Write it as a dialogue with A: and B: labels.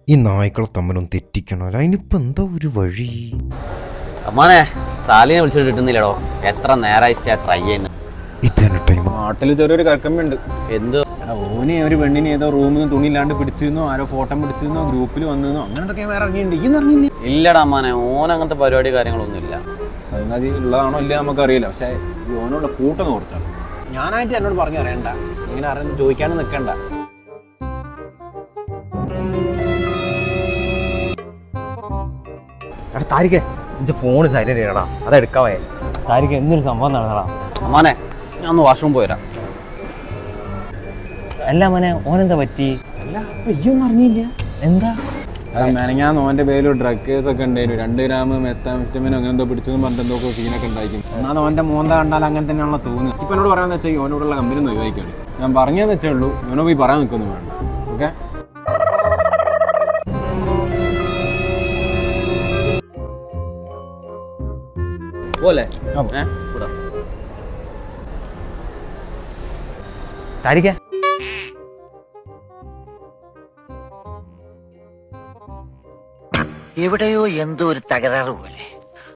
A: ഈ നായ്ക്കളെ തമ്മിലൊന്ന് തെറ്റിക്കണമല്ലോ. അതിനിപ്പോൾ എന്താ ഒരു വഴി?
B: അമ്മാനെ സാലിനെ വിളിച്ചിട്ട് കിട്ടുന്നില്ലടോ. എത്ര നേരമായി ട്രൈ ചെയ്യുന്നു.
A: ഇതന്നെ ടൈം.
C: നാട്ടിൽ ചെറിയൊരു കറക്കമ്പുണ്ട്.
B: എന്ത്?
C: ഓനെ ഒരു പെണ്ണിനെ ഏതോ റൂമിൽ നിന്ന് തുണിയില്ലാണ്ട് പിടിച്ചിരുന്നോ, ആരോ ഫോട്ടോ പിടിച്ചിരുന്നോ, ഗ്രൂപ്പിൽ വന്നിരുന്നോ, അങ്ങനത്തെ വേറെ ഇറങ്ങിയിട്ടുണ്ട്. ഈ ഇറങ്ങിയില്ല?
B: ഇല്ലടാ അമ്മാനെ, ഓൻ അങ്ങനത്തെ പരിപാടി കാര്യങ്ങളൊന്നും ഇല്ല.
C: സംഗതി ഉള്ളതാണോ ഇല്ല നമുക്കറിയില്ല. പക്ഷെ ഈ ഓനുള്ള കൂട്ടൊന്ന് കുറച്ചാണ്. ഞാനായിട്ട് എന്നോട് പറഞ്ഞു അറിയണ്ട, ഇങ്ങനെ അറിയാൻ ചോദിക്കാനും നിൽക്കണ്ട.
D: എടാ താരിഖേ, ഇഞ്ച ഫോണ് സൈലന്റ് ചെയ്യണടാ, അതെടുക്കാവേ. താരിഖ് എന്തൊരു സംഭവം നടന്നടാ.
B: അമ്മാനെ ഞാൻ ഒന്ന് വാഷ്റൂം പോയിരാ.
D: അല്ല മോനെ, ഓനെന്താ പറ്റി?
C: അല്ല അപ്പൊ ഈ ഒന്നും അറിഞ്ഞില്ല?
D: എന്താ?
C: മെനങ്ങാന്ന് ഓന്റെ പേരിൽ ഡ്രഗ് കേസ് ഒക്കെ ഉണ്ടായിരുന്നു. 2 ഗ്രാം മെത്താംഫെറ്റമിനോ അങ്ങനെ എന്തോ പിടിച്ചെന്ന് പറഞ്ഞിട്ട് എന്തോ സീനൊക്കെ ഉണ്ടായിരിക്കും. എന്നാൽ ഓന്റെ മോന്ത കണ്ടാൽ അങ്ങനെ തന്നെയാണല്ലോ തോന്നുന്നത്. ഇപ്പൊ എന്നോട് പറയാന്ന് വെച്ചാൽ ഓനോടുള്ള കമ്പനി ഒന്ന് ഒഴിവാക്കിയാണ്. ഞാൻ പറഞ്ഞതെന്ന് വെച്ചേ ഉള്ളൂ, ഓനോ പോയി പറയാൻ നിൽക്കൊന്നും വേണ്ട. ഓക്കെ
B: പോലെ
D: താരിഖേ,
E: എവിടെയോ എന്തോ ഒരു തകരാറ് പോലെ.